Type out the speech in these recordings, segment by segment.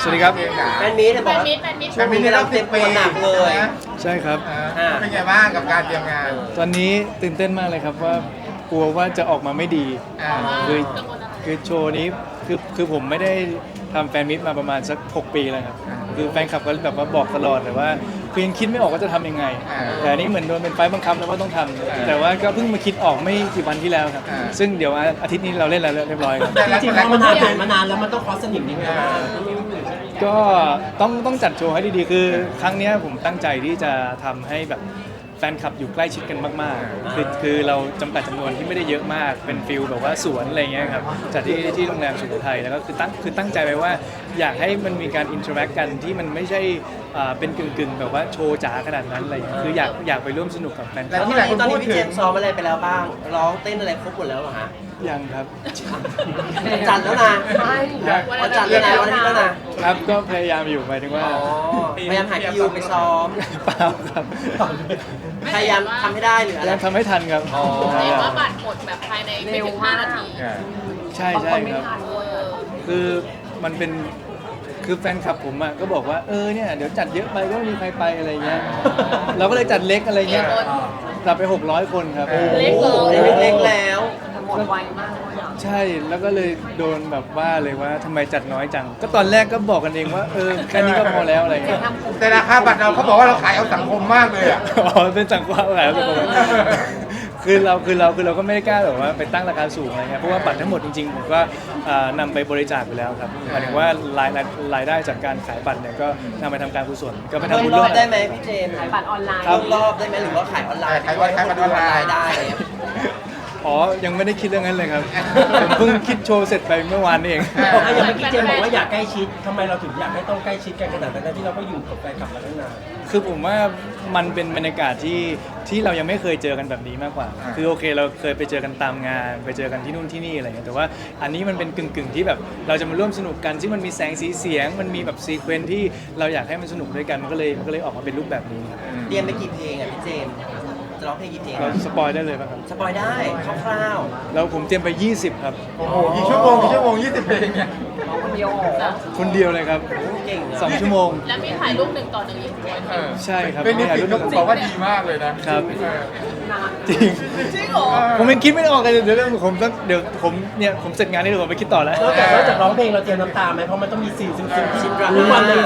สวัสดีครับแฟนมีตบอกว่าช่วงนี้กำลังเต็มตัวหนักเลยใช่ครับเป็นไงบ้างกับการเตรียมงานตอนนี้ตื่นเต้นมากเลยครับว่ากลัวว่าจะออกมาไม่ดี คือคือโชว์นี้คือผมไม่ได้ทำแฟนมิตมาประมาณสัก 6 ปีแล้วครับคือแฟนคลับก็แบบว่าบอกตลอดแต่ว่าคือยังคิดไม่ออกว่าจะทำยังไงแต่อันนี้เหมือนโดนเป็นไฟบังคับแล้วว่าต้องทำแต่ว่าก็เพิ่งมาคิดออกไม่กี่วันที่แล้วครับซึ่งเดี๋ยวอาทิตย์นี้เราเล่นแล้วเรียบร้อยครับจริงๆพอมันผ่านมานานแล้วมันต้องคอสสนิมนิดนึงก็ต้องจัดโชว์ให้ดีๆคือครั้งเนี้ยผมตั้งใจที่จะทำให้แบบแฟนคลับอยู่ใกล้ชิดกันมากๆคือเราจำกัดจำนวนที่ไม่ได้เยอะมากเป็นฟิลแบบว่าสวนอะไรเงี้ยครับจัดที่โรงแรมสุโขทัยแล้วก็คือตั้งใจไว้ว่าอยากให้มันมีการอินเทอร์แอคกันที่มันไม่ใช่เป็นกึ่งแบบว่าโชว์จ๋าขนาดนั้นอะไรเงี้ยคืออยากไปร่วมสนุกกับแฟนคแล้ลัวบตอนนี้พี่เจมส์ซ้อมอะไรไปแล้วบ้างร้องเต้นอะไรครบหมดแล้วเหรอฮะยังครับจัดแล้วนะวันจัดแล้วนะวันอาทิตย์แล้วนะครับก็พยายามอยู่หมายถึงว่าพยายามหาคิวไปซ้อมเปล่าครับพยายามทำให้ได้หรือพอะไรยายามทำให้ทันครับเห็นว่าบัตรหมดแบบภายในไม่ถึง5 นาทีใช่ครับคือมันเป็นคือแฟนคลับผมอ่ะก็บอกว่าเนี่ยเดี๋ยวจัดเยอะไปก็ไม่มีใครไปอะไรเงี้ยเราก็เลยจัดเล็กอะไรเงี้ยจัดไป600 คนครับเล็กเหรอเล็กๆแล้วหมดไวมากเลยอ่ะใช่แล้วก็เลยโดนแบบว่าเลยว่าทำไมจัดน้อยจังก็ตอนแรกก็บอกกันเองว่าแค่นี้ก็พอแล้วอะไรเงี้ยแต่ราคาบัตรเราเขาบอกว่าเราขายเอาสังคมมากเลยอ่ะอ๋อเป็นสังกัดอะไรครับคือเราก็ไม่ได้กล้าแบบว่าไปตั้งราคาสูงอะไรเงี้ยเพราะว่าบัตรทั้งหมดจริงๆผมก็นำไปบริจาคไปแล้วครับหมายถึงว่ารายได้จากการขายบัตรเนี่ยก็นำไปทำการกุศลก็ไปเพิ่ทำมบุญรร่อวบมได้ไหมพี่เจมส์ขายบัตรออนไลน์เพิ่มรอบได้ไหมหรือว่าขายออนไลน์ขายบัตรออนไลน์ได้อ๋อยังไม่ได้คิดเรื่องนั้นเลยครับผมเพิ่งคิดโชว์เสร็จไปเมื่อวานนี่เองอย่างเมื่อกี้เจมส์บอกว่าอยากใกล้ชิดทำไมเราถึงอยากให้ต้องใกล้ชิดกันขนาดนั้นที่เราก็อยู่กับแฟนคลับมาตั้งนานคือผมว่ามันเป็นบรรยากาศที่เรายังไม่เคยเจอกันแบบนี้มากกว่า คือโอเคเราเคยไปเจอกันตามงาน ไปเจอกันที่นู่นที่นี่อะไรเงี้ยแต่ว่าอันนี้มันเป็นกึ่งที่แบบเราจะมาร่วมสนุกกันที่มันมีแสงสีเสียง มันมีแบบซีเควนซ์ที่เราอยากให้มันสนุกด้วยกันมันก็เลยออกมาเป็นรูปแบบนี้ครับเตรียมไปกี่เพลงอ่ะพี่เจมส์จะร้องเพลงกี่เพลงเราสปอยได้เลยป่ะครับสปอยได้คร่าวแล้วผมเตรียมไป 20 ครับโอ้โหกี่ชั่วโมง20 เพลงเนี่ยคนเดียวคนเดียวเลยครับๆเก่งอะ 2 ชั่วโมงแล้วมีถ่ายรูป1 ต่อ 1อีกด้วยใช่ครับเป็นนิถ่ายสิรูตปเขาบอกว่าดีมากเลยนะครับจริงจริงเหรอผมยังคิดไม่ออกเลยเดี๋ยวผมเสร็จงานนี้เดี๋ยวผมไปคิดต่อแล้วนอกจากร้องเพลงเราเตรียมน้ำตาไหมเพราะมันต้องมีสิ่งที่รู้วันในใจ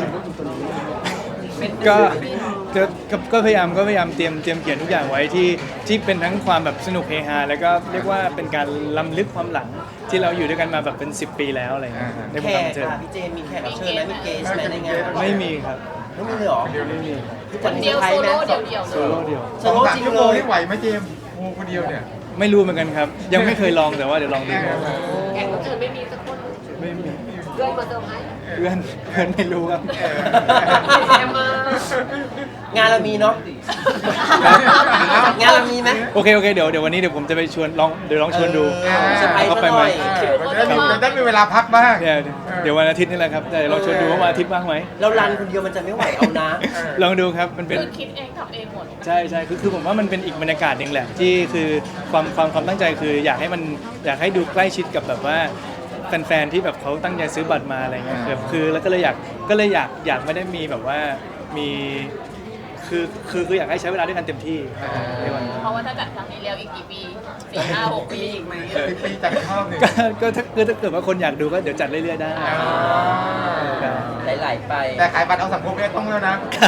ก็พยายามเตรียมเขียนทุกอย่างไว้ที่เป็นทั้งความแบบสนุกเฮฮาแล้วก็เรียกว่าเป็นการล้ำลึกความหลังที่เราอยู่ด้วยกันมาแบบเป็น10 ปีแล้วอะไรอย่างเงี้ยในวแขงการกบันเทิงค่ะพี่เจมส์มีแขกรับเชิญไหมมีเกสไหมในงานไม่มีครับไม่มีเลยเหรอไม่มีครับคนเดียวโซโล่เดี่ยวๆโซเลยโล่เดียวโซสองโล่สามจริงชั่วเลโมงยนี่ไหวไหมเจมส์โอ้คนเดียวเนี่ยไม่รู้เหมือนกันครับ ยังไม่เคยลองแต่ว่าเดี๋ยวลองดูครับแขกคนอื่นไม่มีสักคนไม่มีเพื่อนมาเซอร์ไพรส์เพื่อนไม่รู้ครับแอมมางานเรามีเนาะครับงานเรามีไหมโอเคเดี๋ยววันนี้เดี๋ยวผมจะไปชวนลองชวนดูเซอร์ไพรส์เข้าซะไปหไหมน่อยมันได้มีเวลาพักบ้างเดี๋ยววันอาทิตย์นี่แหละครับแต่ลองชวนดูว่าวันอาทิตย์ว่างไหมเรารันคนเดียวมันจะไม่ไหวเอานะลองดูครับมันเป็นคือคิดเองทำเองหมดใช่คือผมว่ามันเป็นอีกบรรยากาศหนึ่งแหละที่คือความตั้งใจคืออยากให้ดูใกล้ชิดกับแบบว่าแฟนๆที่แบบเขาตั้งใจซื้อบัตรมาอะไรเงี้ยคือแล้วก็เลยอยากไม่ได้มีแบบว่ามีคืออยากให้ใช้เวลาด้วยกันเต็มที่ในวันนี้เพราะว่าถ้าจัดครั้งนี้แล้วอีกกี่ปี4 5 6 ปีอีกไหมปีจัดรอบหนึ่งก็ถ้าเกิดว่าคนอยากดูก็เดี๋ยวจัดเรื่อยๆได้ครับไหลๆไปแต่ขายบัตรเอาสังคมเนี่ยต้องแล้วนะ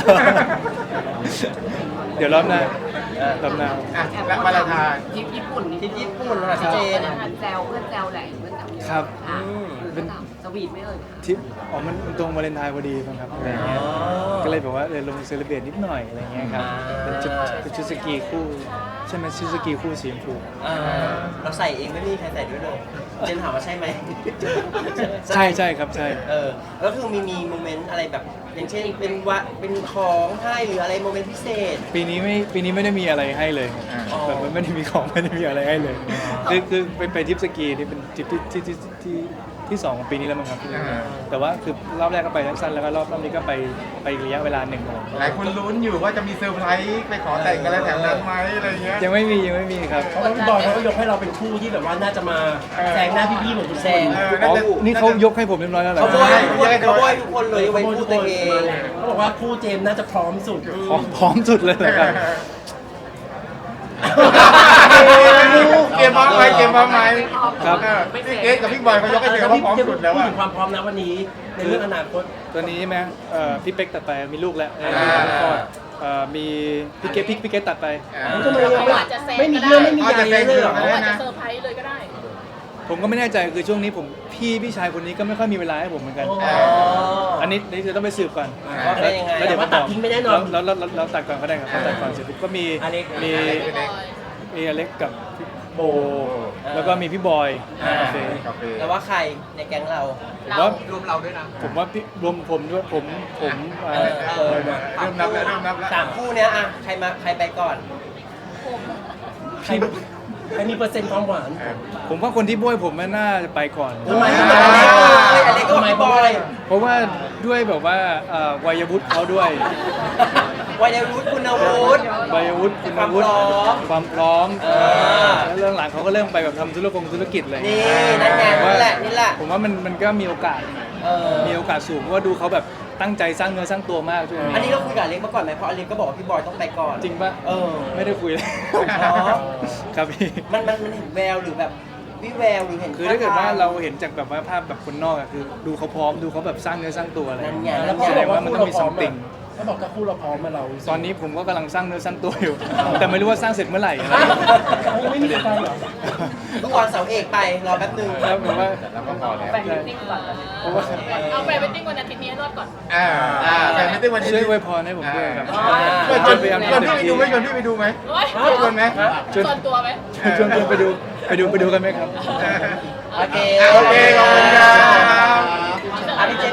เดี๋ยวรอบหน้าอ่ะและวาเลนไทน์ทริปญี่ปุ่นนี่ที่ญี่ปุ่นค่ะพี่เจนแซวเพื่อนแซวแหละเพื่อนแซวครับเป็นสวีทไม่เอ่ยทริปมันตรงวาเลนไทน์พอดีมั้งครับอะไรเงี้ยก็เลยแบบว่าลงเซเลบเรตนิดหน่อยอะไรเงี้ยครับเป็นชุดสกีคู่ใช่ไหมชุดสกีคู่สีชมพูเราใส่เองไม่มีใครใส่ด้วยเลยเจนถามว่าใช่ไหมใช่ครับใช่แล้วคือมีโมเมนต์อะไรแบบอย่างเช่นเป็นของให้หรืออะไรโมเมนต์พิเศษปีนี้ไม่ได้มีอะไรให้เลยอ๋อแบบไม่ได้มีของไม่ได้มีอะไรให้เลยคือไปทริปสกีนี่เป็นทริปที่ที่2ของปีนี้แล้วมั้งครับแต่ว่าคือรอบแรกก็ไปสั้นๆแล้วก็รอบนี้ก็ไประยะเวลาหนึ่งเลยหลายคนลุ้นอยู่ว่าจะมีเซอร์ไพรส์ไปขอแต่งกันอะไรแถวนั้นไหมอะไรเงี้ยยังไม่มีครับเพราะว่าพี่บอยเขาก็ยกให้เราเป็นคู่ที่แบบว่าน่าจะมาแซงหน้าพี่ๆเหมือนคุณแซงอ๋อนี่เขายกให้ผมเรียบร้อยแล้วเหรอเขาโบยทุกคนเลยไว้พูดตัวเองเขาบอกว่าคู่เจมส์น่าจะพร้อมสุดพร้อมสุดเลยเหรอครับเกมพร้อมไหมเกมพร้อมไหมครับพี่เกสกับพี่บอยเขายกให้เธอว่าพร้อมสุดแล้วพูดอะถึงความพร้อมนะวันนี้ในเรื่องอนาคตตัวนี้ใช่ไหมพี่เป๊กตัดไปมีลูกแล้วมีพี่เกตตัดไปทำไมเขาอาจจะแซงไม่มีก็ได้เรื่องไม่มีใยเลยเหรอเขาอาจจะเซอร์ไพรส์เลยก็ได้ผมก็ไม่แน่ใจคือช่วงนี้ผมพี่ชายคนนี้ก็ไม่ค่อยมีเวลาให้ผมเหมือนกัน อันนี้จะต้องไปสืบก่อนว่าเป็นยังไงแล้วเดี๋ยวว่าตัดทิ้งไม่แน่นอนแล้วตัดก่อนก็ได้ครับตัดก่อนเสร็จปุ๊บก็มีอเล็กมีอเล็กกับพี่โบ แล้วก็มีพี่บอยโอเคกาแฟแล้วว่าใครในแก๊งเราผมว่ารวมเราด้วยนะผมว่าพี่รวมผมด้วยผมเริ่มนับแล้วเริ่มนับแล้วสามคู่เนี้ยอะใครไปก่อนใครมีเปอร์เซ็นต์ความหวานผมว่าคนที่บ้วยผมน่าจะไปก่อนทำไมอะไรก็ไม่บอยเพราะว่าด้วยแบบว่าวัยวุฒิเขาด้วยวัยวุฒิคุณวุฒิวัยวุฒิคุณวุฒิความพร้อม แล้วเรื่องหลังเขาก็เริ่มไปแบบทำธุรกิจเลยนี่นั่นไงนี่แหละผมว่ามันก็มีโอกาส มีโอกาสสูงเพราะว่าดูเขาแบบตั้งใจสร้างเนื้อสร้างตัวมากช่วงอันนี้นี้เราคุยกับอเล็กมาก่อนไหมเพราะอเล็กก็บอกว่าพี่บอยต้องไปก่อนจริงปะ ไม่ได้คุยเลยอ๋อครับพี่มันเห็นแววหรือแบบวิแววหรือเห็นคือถ้าเกิดว่าเราเห็นจากแบบว่าภาพแบบคนนอกอะคือดูเขาพร้อมดูเขาแบบสร้างเนื้อสร้างตัวอะไรนั่นไงแล้แล้ว วพอก็บอกว่ามันคู่ต้อเรางมีพร้อม something เขาบอกถ้าคู่เราพร้อมมาเราตอนนี้ผมก็กำลังสร้างเนื้อสร้างตัวอยู่ แต่ไม่รู้ว่าสร้างเสร็จเมื่อไหร่อะไรยังไม่มีใครเหรอทุกวันเสาร์เอกไปรอแป๊บนึงแล้วผมว่าแล้วก็พอแล้วไปมิทติ้งก่อนเพราะว่าเอาไปมิทติ้งวันอาทิตย์นี้ให้รอดก่อนแต่ไม่ได้วันนี้ช่วยอวยพรให้ผมด้วยครับชวนพี่ไปดูไหมชวนพี่ไปดูไหมโอ๊ยชวนไหมส่วนตัวไหมชวนไปดูกันไหมครับโอเคโอเคขอบคุณครับพี่เจ